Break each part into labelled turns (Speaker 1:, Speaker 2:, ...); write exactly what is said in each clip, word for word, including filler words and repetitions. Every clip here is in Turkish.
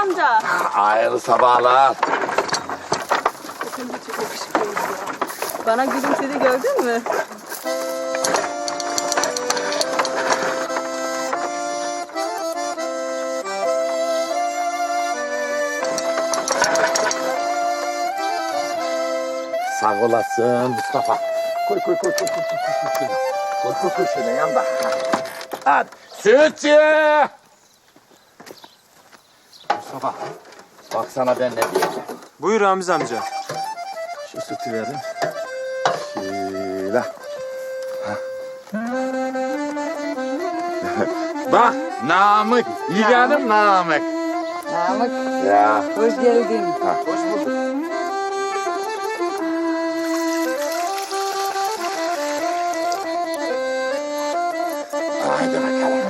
Speaker 1: amca.
Speaker 2: Hayırlı sabahlar.
Speaker 1: Bakın çok yakışıklıyız ya. Bana gülümsedi, gördün mü?
Speaker 2: Sağ olasın Mustafa. Koy koy koy koy koy koy koy koy. Koy koy koy şöyle yanda. Hadi. Sütçü! Mustafa. Bak sana ben ne diyeceğim.
Speaker 3: Buyur Ramiz amca.
Speaker 2: Şu sütü verin. Şöyle. Bak Namık. Yeğenim Namık.
Speaker 4: Namık,
Speaker 2: Ya.
Speaker 4: hoş geldin.
Speaker 2: Ha, hoş bulduk. Haydi bakalım.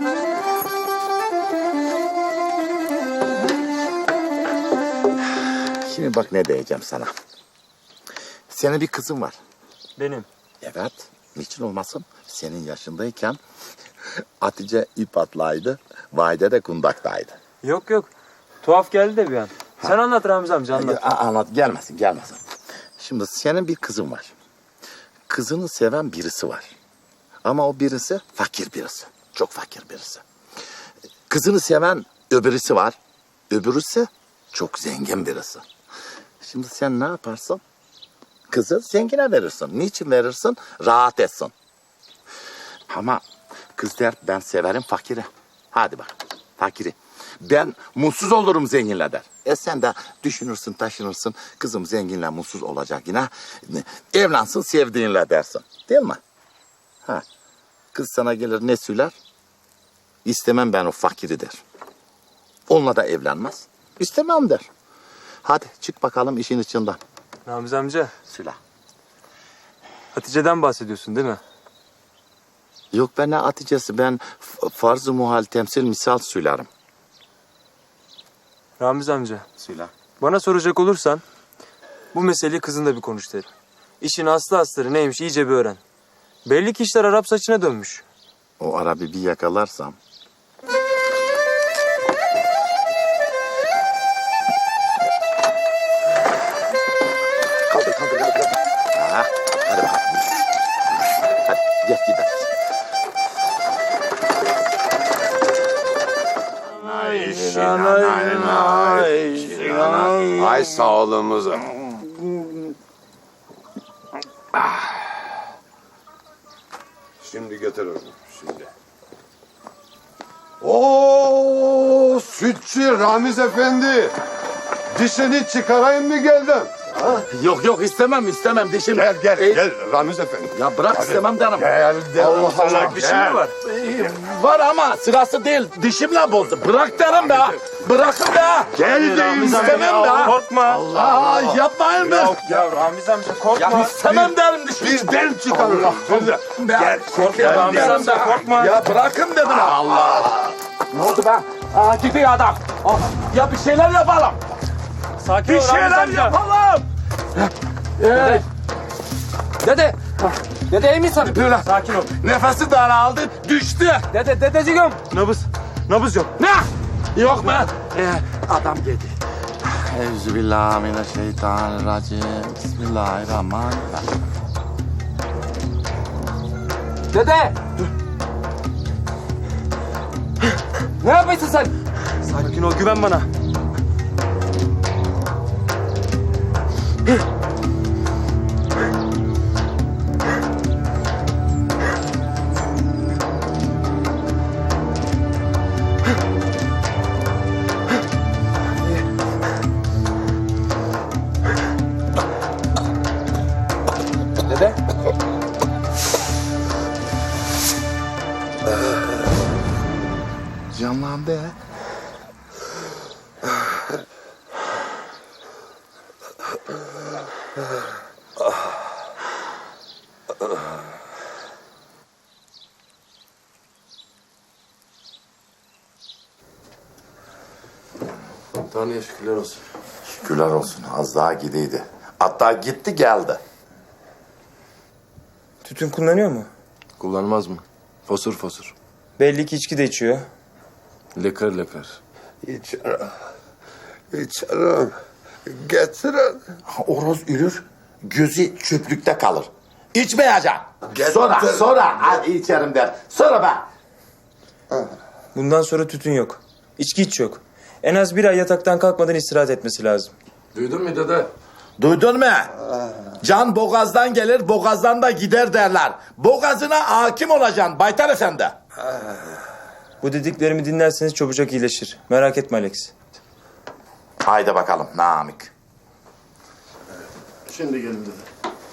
Speaker 2: Şimdi bak ne diyeceğim sana. Senin bir kızın var.
Speaker 3: Benim.
Speaker 2: Evet. Niçin olmasın? Senin yaşındayken Hatice ip atlaydı. Vahide de kundaktaydı.
Speaker 3: Yok yok. Tuhaf geldi de bir an. Sen anlat Ramiz amca, anlat.
Speaker 2: A- anlat gelmesin gelmesin. Şimdi senin bir kızın var. Kızını seven birisi var. Ama o birisi fakir birisi. Çok fakir birisi. Kızını seven öbürüsü var. Öbürüsü çok zengin birisi. Şimdi sen ne yaparsın? Kızı zengine verirsin. Niçin verirsin? Rahat etsin. Ama kız der ben severim fakiri. Hadi bak fakiri. Ben mutsuz olurum zenginle der. E sen de düşünürsün taşınırsın. Kızım zenginle mutsuz olacak yine. Evlansın sevdiğinle dersin. Değil mi? Ha. Kız sana gelir ne söyler? İstemem ben o fakiri der. Onunla da evlenmez. İstemem der. Hadi çık bakalım işin içinden.
Speaker 3: Ramiz amca,
Speaker 2: Söyle.
Speaker 3: Hatice'den bahsediyorsun değil mi?
Speaker 2: Yok ben ne Hatice'si ben farz-ı muhal temsil misal söylerim.
Speaker 3: Ramiz amca,
Speaker 2: Söyle.
Speaker 3: bana soracak olursan bu meseleyi kızınla bir konuş derim. İşin aslı astarı neymiş iyice bir öğren. Belli ki işler Arap saçına dönmüş.
Speaker 2: O Arap'ı bir yakalarsam. Kaldır kaldır kaldır. Ha, hadi bakalım. Hadi gel gidelim.
Speaker 5: Ay sağlığımıza. Şimdi götürürüm şimdi. Oo, sütçü Ramiz Efendi. Dişini çıkarayım mı geldin?
Speaker 2: Yok yok istemem istemem dişim.
Speaker 5: Gel gel
Speaker 2: Ey,
Speaker 5: gel Ramiz Efendi.
Speaker 2: Ya bırak istemem derim.
Speaker 5: Gel de
Speaker 2: Allah Allah,
Speaker 3: Dişin mi var?
Speaker 2: Var ama sırası değil. Dişimle bozdu. Bırak derim be. Bırakın be.
Speaker 5: Gel deyim
Speaker 2: istemem
Speaker 5: sana.
Speaker 2: be.
Speaker 3: Korkma.
Speaker 2: Aa yapmayın be.
Speaker 3: Ya Ramiz amca korkma.
Speaker 2: Ya istemem derim dişimi.
Speaker 5: Bizden çıkarırım. Söyle.
Speaker 2: Gel
Speaker 3: Korkma Ramiz amca korkma.
Speaker 2: Ya bırakın dedim. Allah. Ne oldu be? Aa gidiyor adam. Aa, ya bir şeyler yapalım.
Speaker 3: Sakin
Speaker 2: Bir
Speaker 3: ol Ramiz
Speaker 2: şeyler
Speaker 3: amca.
Speaker 2: yapalım. Ee,
Speaker 3: Dede. Dede iyi misin?
Speaker 2: böyle
Speaker 3: Sakin ol.
Speaker 2: nefesi daraldı, düştü.
Speaker 3: Dede, dedeciğim. Nabız. Nabız yok.
Speaker 2: Ne? Yok be. Ee, adam geldi. Euzubillahimineşşeytanirracim. Bismillahirrahmanirrahim.
Speaker 3: Dede. Ne yapıyorsun sen? Sakin ol, güven bana. Dede.
Speaker 2: Canlandı.
Speaker 5: Tanrı'ya şükürler olsun.
Speaker 2: Şükürler olsun. Az daha gideydi. Hatta gitti geldi.
Speaker 3: Tütün kullanıyor mu?
Speaker 5: Kullanmaz mı? Fosur fosur.
Speaker 3: Belli ki içki de içiyor.
Speaker 5: Lekar lekar.
Speaker 6: Hiç İçerim. Getirin.
Speaker 2: Oroz ürür, gözü çöplükte kalır. İçmeyeceksin.
Speaker 6: Getir.
Speaker 2: Sonra, sonra. Hadi içerim der. Sonra be.
Speaker 3: Bundan sonra tütün yok. İçki hiç yok. En az bir ay yataktan kalkmadan istirahat etmesi lazım.
Speaker 5: Duydun mu dede?
Speaker 2: Duydun mu? Can boğazdan gelir, boğazdan da gider derler. Boğazına hakim olacaksın Baytar Efendi.
Speaker 3: Bu dediklerimi dinlerseniz çabucak iyileşir. Merak etme Alex.
Speaker 2: Haydi bakalım Namık.
Speaker 5: Şimdi gelin dede.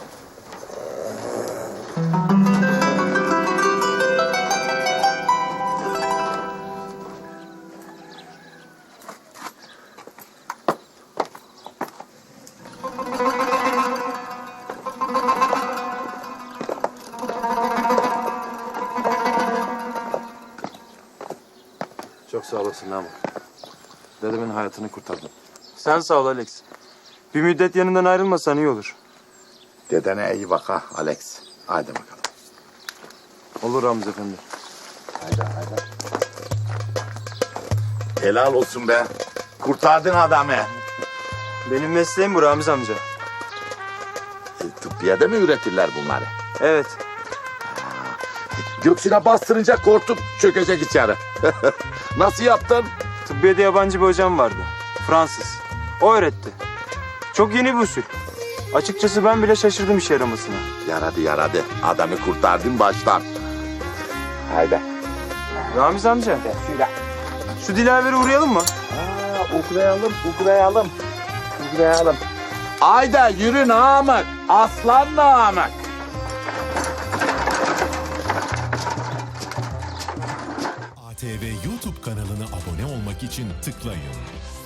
Speaker 5: Çok sağ olasın Namık. Dedemin hayatını kurtardın.
Speaker 3: Sen sağ ol Alex. Bir müddet yanından ayrılmasan iyi olur.
Speaker 2: Dedene iyi bak ha Alex. Haydi bakalım.
Speaker 3: Olur Ramiz Efendi.
Speaker 2: Haydi haydi. Helal olsun be. Kurtardın adamı.
Speaker 3: Benim mesleğim bu Ramiz amca.
Speaker 2: E, tıbbiyede mi üretirler bunları?
Speaker 3: Evet.
Speaker 2: Göksüne bastırınca korktup çökecek içeri. Nasıl yaptın?
Speaker 3: Tıbbiyede yabancı bir hocam vardı. Fransız. O öğretti. Çok yeni bir usul. Açıkçası ben bile şaşırdım işe yaramasına.
Speaker 2: Yaradı yaradı. Adamı kurtardın baştan. Haydi.
Speaker 3: Ramiz amca,
Speaker 2: Şöyle.
Speaker 3: şu Dilaver'e uğrayalım mı?
Speaker 2: Aa, uğrayalım, uğrayalım. Uğrayalım. Haydi yürü Namık. Aslan Namık.
Speaker 7: A T V YouTube kanalına abone olmak için tıklayın.